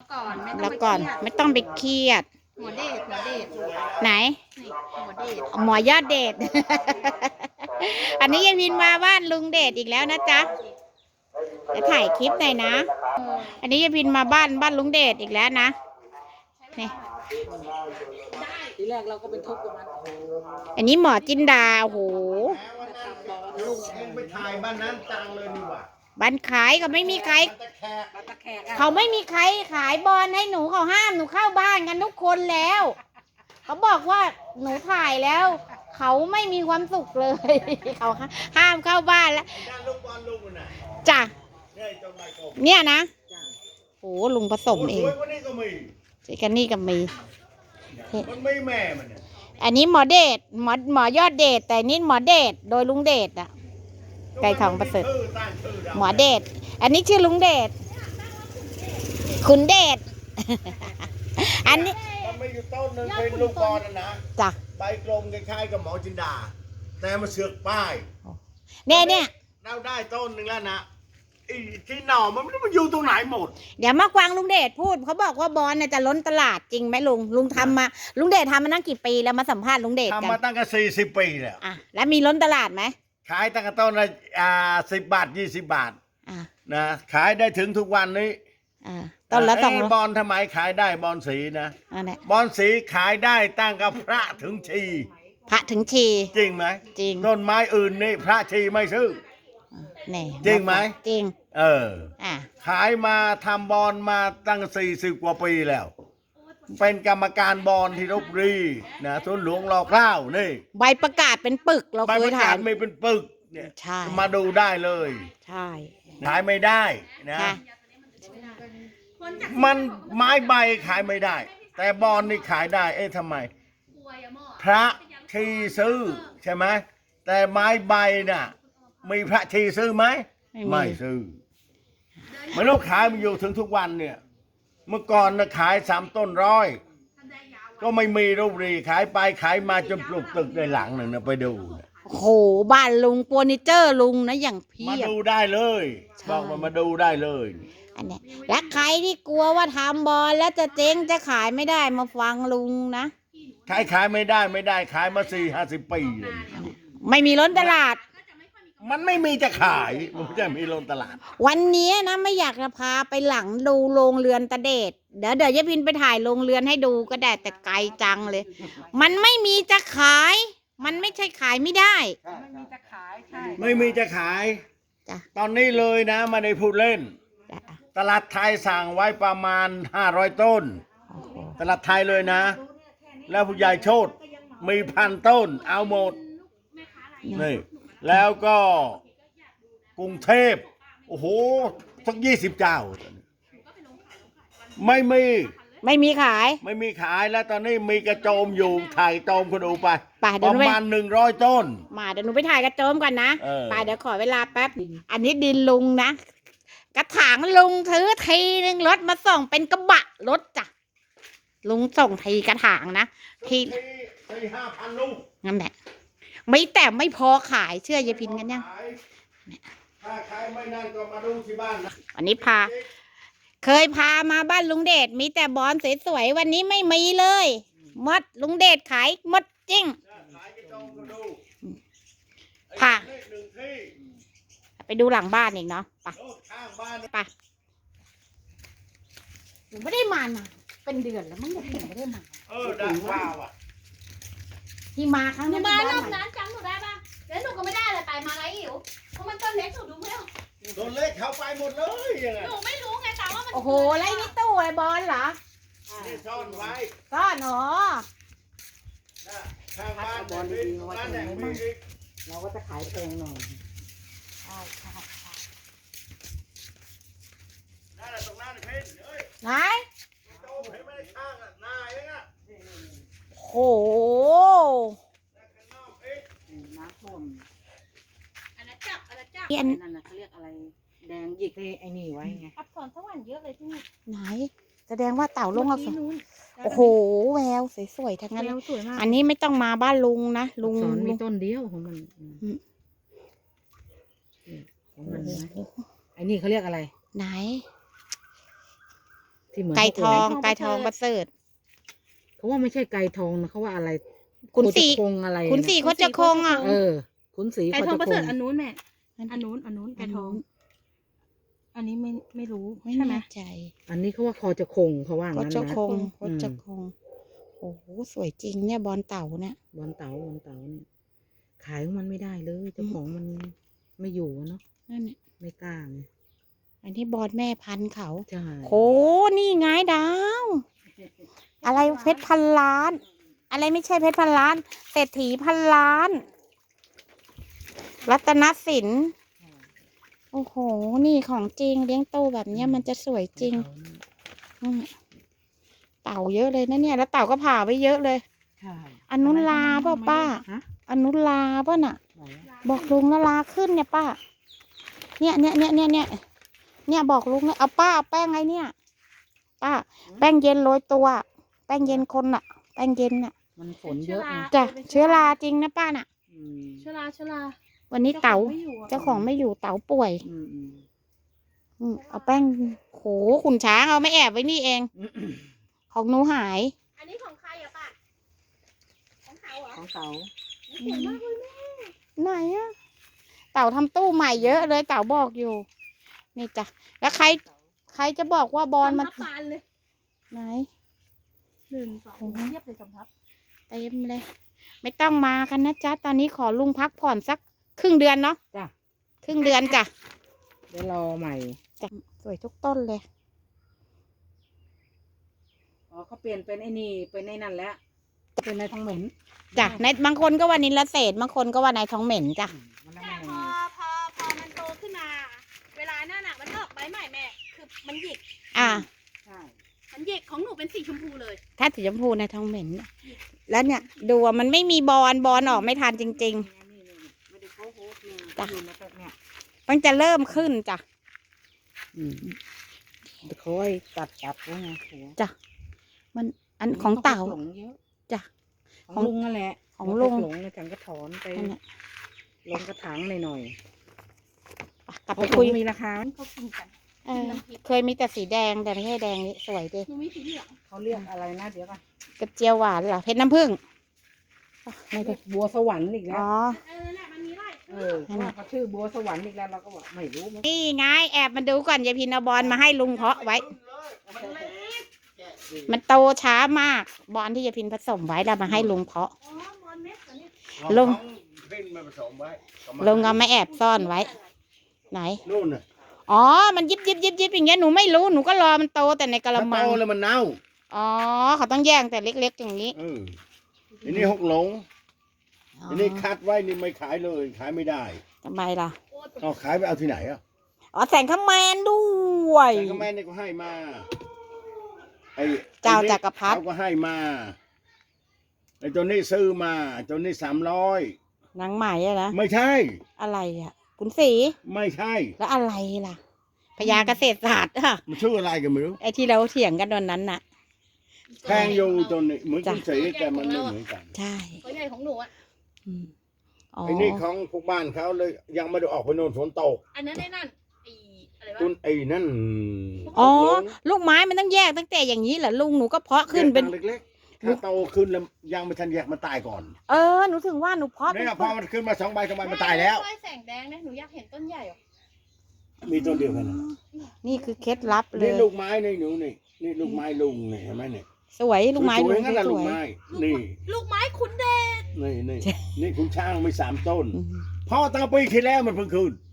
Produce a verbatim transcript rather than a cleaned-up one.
ก่อนไม่ต้รัองบไปก่อนเครียดไม่ต้องไปเครียดหมอเดชหมอเดชไหนนี่หมอเดชหมอยอดเดช อันนี้ยายพินมาบ้านลุงเดชอีกแล้วนะจ๊ะจะถ่ายคลิปหน่อยนะ อันนี้ยายพินมาบ้านบ้านลุงเดชอีกแล้วนะนี่ทีแรกเราก็ไปทุบกับมันอันนี้หมอจินดาโอ้โหลุงเองไปถ่ายบ้านนั้นจังเลยนี่หว่าบ้านขายก็ไม่มีใครตะแคกตะแคกเขาไม่มีใครขายบอลให้หนูเขาห้ามหนูเข้าบ้านกันทุกคนแล้ว เขาบอกว่าหนูถ่ายแล้ว เขาไม่มีความสุขเลย เขาห้ามเข้าบ้านแล้วด้านลูกบอลลุงน่ะจ้ะเนี่ยเจ้าไมโครเนี่ยนะโอ้ลุงผสมเอสงวยกว่านี้ก็มีเจกันนี่กับมีมันไม่แม่มันเนี่ยอันนี้หมอเดชหมอหมอยอดเดชแต่นี่หมอเดชโดยลุงเดชอะไก่ทองประเสริฐชื่อตั้งชื่อเราหมอเดชอันนี้ชื่อลุงเดชคุณเดช อันนี้มันไม่อยู่ต้นนึงเป็นลูกบอลนะนะจ้ะใบกลมคล้ายๆกับหมอจินดา แต่มาเสือกป้ายเนี่ยเนี่ยเราได้ต้นหนึ่งแล้วนะไอ้ที่หน่อมันไม่รู้มันอยู่ตรงไหนหมดเดี๋ยวมากวางลุงเดชพูดเขาบอกว่าบอลน่ะจะล้นตลาดจริงไหมลุงลุงทำมาลุงเดชทำมาตั้งกี่ปีแล้วมาสัมภาษณ์ลุงเดชกัทำมาน ตั้งแต่สี่สิบปีแล้วอ่ะแล้วมีล้นตลาดไหมขายตั้งแต่ต้นละอ่าสิบบาทยี่สิบบาทอ่ะนะขายได้ถึงทุกวันนี้อ่ะต้นละสองเยบอลทำไมขายได้บอลสีนะอันเนี้ยบอลสีขายได้ตั้งกับพระถึงชีพระถึงชีจริงไหมจริงต้นไม้อื่นนี่พระชีไม่ซื้อนี่จริงไหมจริงเอออ่ะขายมาทำบอลมาตั้งสี่สิบกว่าปีแล้ว เป็นกรรมการบอลที่ลพบุรีนะทุนหลวงรอเกล้านี่ใบประกาศเป็นปึกเราใบเคปยระถ่ากาย ศไม่เป็นปึกเนี่ยใช่มาดูได้เลยใช่ขายไม่ได้นะค่ะมันไม้ใบขายไม่ได้ แต่บอลนี่ขายได้ เอ๊ะทำไม พระชีซื้อใช่ไหมแต่ไม้ใบน่ะมีพระชีซื้อไหมไม่ซื้อไม่รู้ขายมันอยู่ถึงทุกวันเนี่ย เมื่อก่อนนะขายสามต้นร้อยก็ไม่มีรูปรีขายไปขายมาจนปลูกตึกในหลังหนึ่งนะไปดูนะโหบ้านลุงเฟอร์นิเจอร์ลุงนะอย่างเพีมายบดูได้เลยใช่บอกมามาดูได้เลยอันเนี้ยและใครที่กลัวว่าทำบอลแล้วจะเจ๊งจะขายไม่ได้มาฟังลุงนะขายขายไม่ได้ไม่ได้ขายมาสี่ห้าสิบปีเลยไม่มีล้นตลาดมันไม่มีจะขายมันจะมีลงตลาดวันนี้นะไม่อยากจะพาไปหลังดูโรงเรือนตะเดชเดี๋ยวเดี๋ยวยายพินไปถ่ายโรงเรือนให้ดูก็ได้แต่ไกลจังเลย มันไม่มีจะขาย มันไม่ใช่ขายไม่ได้ไม่มีจะขายใช่ไม่มีจะขายจ้ะตอนนี้เลยนะไมาได้พูดเล่นจ้ะตลาดไทยสั่งไว้ประมาณห้าร้อยต้นโอ้โหตลาดไทยเลยนะ แล้วผู้ใหญ่โชดมีพันต้น เอาหมดนี่แล้วก็กรุงเทพโอ้โหสักยี่สิบเจ้า ไม่มีไม่มีขายไม่มีขายแล้วตอนนี้มีกระโจมอยู่ถ่ายโจมคนดูไปไปเดี๋ปยวหนูระไปมาณหนึ่งร้อยต้นมาเดี๋ยวหนูไปถ่ายกระโจมก่อนนะเออไปเดี๋ยวขอเวลาแป๊บ อันนี้ดินลุงนะ กระถางลุงถือทีนึงรถมาส่งเป็นกระบะรถจ้ะ ลุงส่งทีกระถางนะ ทีสี่ห้าพันลูกนั่นแหละไม่แต่ไม่พอขายเชื่อยายพินกันยังขายถ้าใครไม่นั่นก็มาดูที่บ้านนะวันนี้พา เคยพามาบ้านลุงเดชมีแต่บอลสวยๆวันนี้ไม่มีเลยหมดลุงเดชขายหมดจริงขายกระโจมก็ดูค่ะไอ้หนึ่งที่ไปดูหลังบ้านอีกเนาะไปโลดข้างบ้านไปหนูไม่ได้มานานเป็นเดือนแล้วมั้งหนูไม่ได้มาเออได้ว้าวอ่ะที่มาครั้งหนูนี้มาบ้านรอบไหนนั้นจำหนูได้ป่ะแล้วหนูก็ไม่ได้อะไรไปมาไรอิ๋วเพราะมันต้นเล็กหนูดูไม่ออกตัวเล็กเขาไปหมดเลยยังไงหนูไม่รู้ไงแต่ว่ามันโอ้โหไรนี่ตู้ไอ้บอลเหรอนี่ซ่อนไว้ซ่อนอ๋อนะข้างบ้านบอลดีบ้านแดงมีอีกเราก็จะขายแพงหน่อยใช่ใช่นั่นแหละตรงนั้นเพ่นเฮ้ยไหนโจมเห็นไหมข้างอ่ะหน้าเองอ่ะโหข้างนอกเองน้ำท่วมอันนั้นจับอันนั้นจับเปลี่ยนนั่นน่ะเขาเรียกอะไร แดงหยิกเลยไอ้นี่ไว้ไงอับสอนสวรรค์เยอะเลยที่นี่ไหน แสดงว่าเต่าลงเอาสนู้นโอ้โหแววสวยๆทั้งนั้นแวเลวย สวยมากอันนี้ไม่ต้องมาบ้านลุงนะลุงสอนลุมีงต้นเดียวของมันอืมอืมของมันนะไอ้นี่เขาเรียกอะไรไหนที่ที่เหมือนไก่ทองเขาไก่ทองประเสริฐเขาว่าไม่ใช่ไก่ทองนะเขาว่าอะไรขุนศรีโคงอะไรนะขุนศรีโคจะคงอ่ะเออขุนศรีไก่โคทองจะประคเสริฐงอันนู้นแม่อันนู้นอันนู้นไก่ทอง อันนี้ไม่ไม่รู้ไม่ใช่ไหมแน่ใจอันนี้เขาว่าคอจะคงเขาว่าโคงั้นจะนะคงโคอืมจะคงโอ้โหสวยจริงเนี่ยบอลเต่าเนี่ยบอลเต๋าบอลเต๋าเนี่ยขายของมันไม่ได้เลยเจ้าของมันไม่อยู่อะเนาะนั่นน่ะไม่กล้าไงอันนี้บอลแม่พันธุ์เขาใช่โหนี่ไงดาว อะไรเพชรพันล้าน อะไรไม่ใช่เพชรพันล้านเศรษฐีพันล้าน รัตนสินโอ้โห นี่ของจริงเลี้ยงโตแบบเนี้ยมันจะสวยจริงอืมเต่าเยอะเลยนะเนี่ย แล้วเต่าก็ผ่าไว้เยอะเลยใช่อันนุนลาเปล่าป้าฮะอันนุนลาป่ะน่ะไหนอะบอกลุงแล้วลาขึ้นเนี่ยป้า เนี่ยเนี่ยเนี่ยเนี่ยเนี่ยเนี่ยบอกลุงเลยเอาป้าเอาแป้งไงเนี่ย ป้า แป้งเย็นโรยตัว แป้งเย็นคนน่ะ แป้งเย็นน่ะมันฝนเยอะไงจ้ะเชื้อราจริงนะป้าน่ะอืมชลาชลาวันนี้เต๋าไม่อยู่อะเจ้าของไม่อยู่เต๋าป่วยอืมอืมอืมเอาแป้งโหขุนช้างเอาไม่แอบไว้นี่เอง ของหนูหายอันนี้ของใครอะป้าของเขาเหรอของเต๋าสวยมากเลยแม่ไหนอะเต่าทำตู้ใหม่เยอะเลยเต่าบอกอยู่ นี่จ้ะแล้วใคร ใครจะบอกว่าบอลมันสำทับปานเลยไหนหนึ่งสองโอ้โหเทียบเลยสำทับเต็มเลย ไม่ต้องมากันนะจ๊ะตอนนี้ขอลุงพักผ่อนสักครึ่งเดือนเนาะจ้ะครึ่งเดือนจ้ะเดี๋ยวรอใหม่จ้ะสวยทุกต้นเลยอ๋อเขาเปลี่ยนเป็นไอ้นี่เป็นไอ้นั่นแล้วเป็นนายทองเหม็นจ้ะในบางคนก็ว่านิลเศษบางคนก็ว่านายทองเหม็นจ้ะมันแล้วแต่มันพอพอพอมันโตขึ้นมา เวลาหน้าหนักมันออกใบใหม่แม่ คือมันหยิกอ่าใช่มันหยิกของหนูเป็นสีชมพูเลยถ้าสีชมพูนายทองเหม็น แล้วเนี่ย ดูว่ามันไม่มีบอลบอลออกไม่ทันจริงนี่นี่นี่ไม่ได้โค้โหเนี่ยจ้ะอยู่ในแบบเนี่ยๆมันจะเริ่มขึ้นจ้ะอืมเดี๋ยวเขาให้ตัดตัดแล้วไงหัวจ้ะ มันอันของเต่าหลงเยอะจ้ะของลุงนั่นแหละของลุงหลงในฉันก็ถอนไปนั่นแหละลงกระถางหน่อยกลับๆไปคุยมีราคาเขากินกันเออเคยมีแต่สีแดงแต่ไม่ใช่แดงนี่สวยดิหนูมีสีเหลืองเขาเรียกอะไรนะเดี๋ยวก่อนกระเจียวหวานเหรอเพชรน้ำผึ้งไม่ได้บัวสวรรค์อีกแล้อ๋วอเออนั่นแหละมันมีไร่เออว่าเขาชื่อบัวสวรรค์อีกแล้วเราก็บอกไม่รู้มันนี่ไงแอบมาดูก่อนยายพินเอาบอลมาให้ลุงเพาะไว้ มันโตช้ามาก บอลที่ยายพินผสมไว้แล้วมาให้ลุงเพาะอ๋อบอลเม็ดเหรอเนี่ยลุงเพ่นมาผสมไว้ลุงเอามาแอบซ่อนไว้ ไหนนู่นน่ะอ๋อ มันยิบยิบยิบยิบอย่างเงี้ยหนูไม่รู้หนูก็รอมันโตแต่ในกระถ้ามัโตงแล้วมันเน่าอ๋อเขาต้องแย่งแต่เล็กๆอย่างนี้เอออันนี้หกหลงอ๋ออันนี้คัดไว้นี่ไม่ขายเลยขายไม่ได้ทำไมล่ะโอ้ยเอาขายไปเอาที่ไหนอ่ะอ๋อแสงขแมนด้วยแต่ก็แม่นี่ก็ให้มาไอ้เจ้าไอ้นี่จักรพรรดิเขาก็ให้มาไอ้ตัวนี้ซื้อมาตัวนี้สามร้อยนางใหม่อะนะไม่ใช่อะไรอ่ะคุณสีไม่ใช่แล้วอะไรล่ะพญาเกษตรศาสตร์อะมันชื่ออะไรกันไม่รู้ไอ้ที่เราเถียงกันวันนั้นน่ะแพงอยู่ตัวนี้เหมือนจ้ะคุณสีแต่มันไม่เหมือนกันใช่ตัวใหญ่ของหนูอ่ะอืมอ๋อไอ้นี่ของพวกบ้านเขาเลยยังไม่ได้ออกไปโน่นฝนตกอันนั้นไอ้นั่นไอ้อะไรวะคุณไอ้นั่นอ๋อหกหลงลูกไม้มันต้องแยกตั้งแต่อย่างนี้เหรอลุงหนูก็เพาะขึ้นเป็นแยกทางเล็กๆถ้าโตขึ้นแล้วยังไม่ทันแยกมันตายก่อนเออหนูถึงว่าหนูเพาะเป็เนี่นยพอมันขึ้นมาสองใบสองใบมันตายแล้วไม้แสงแดงนะหนูอยากเห็นต้นใหญ่อ่ะมีต้นเดียวกันนะนี่คือเคล็ดลับเลนี่ยลูกไม้นี่หนูนี่นี่ลูกไม้ลุงนี่เห็นไหมเนี่ยสวยลูกไม้สลุวยงๆงั้นแหละสลูกวยไม้นี่ลูกไม้ขุนแดงนี่นี่นี่คุณช่างมีสามต้นอืมพ่อตั้งปีที่แล้วมันเพิ่งขึ้น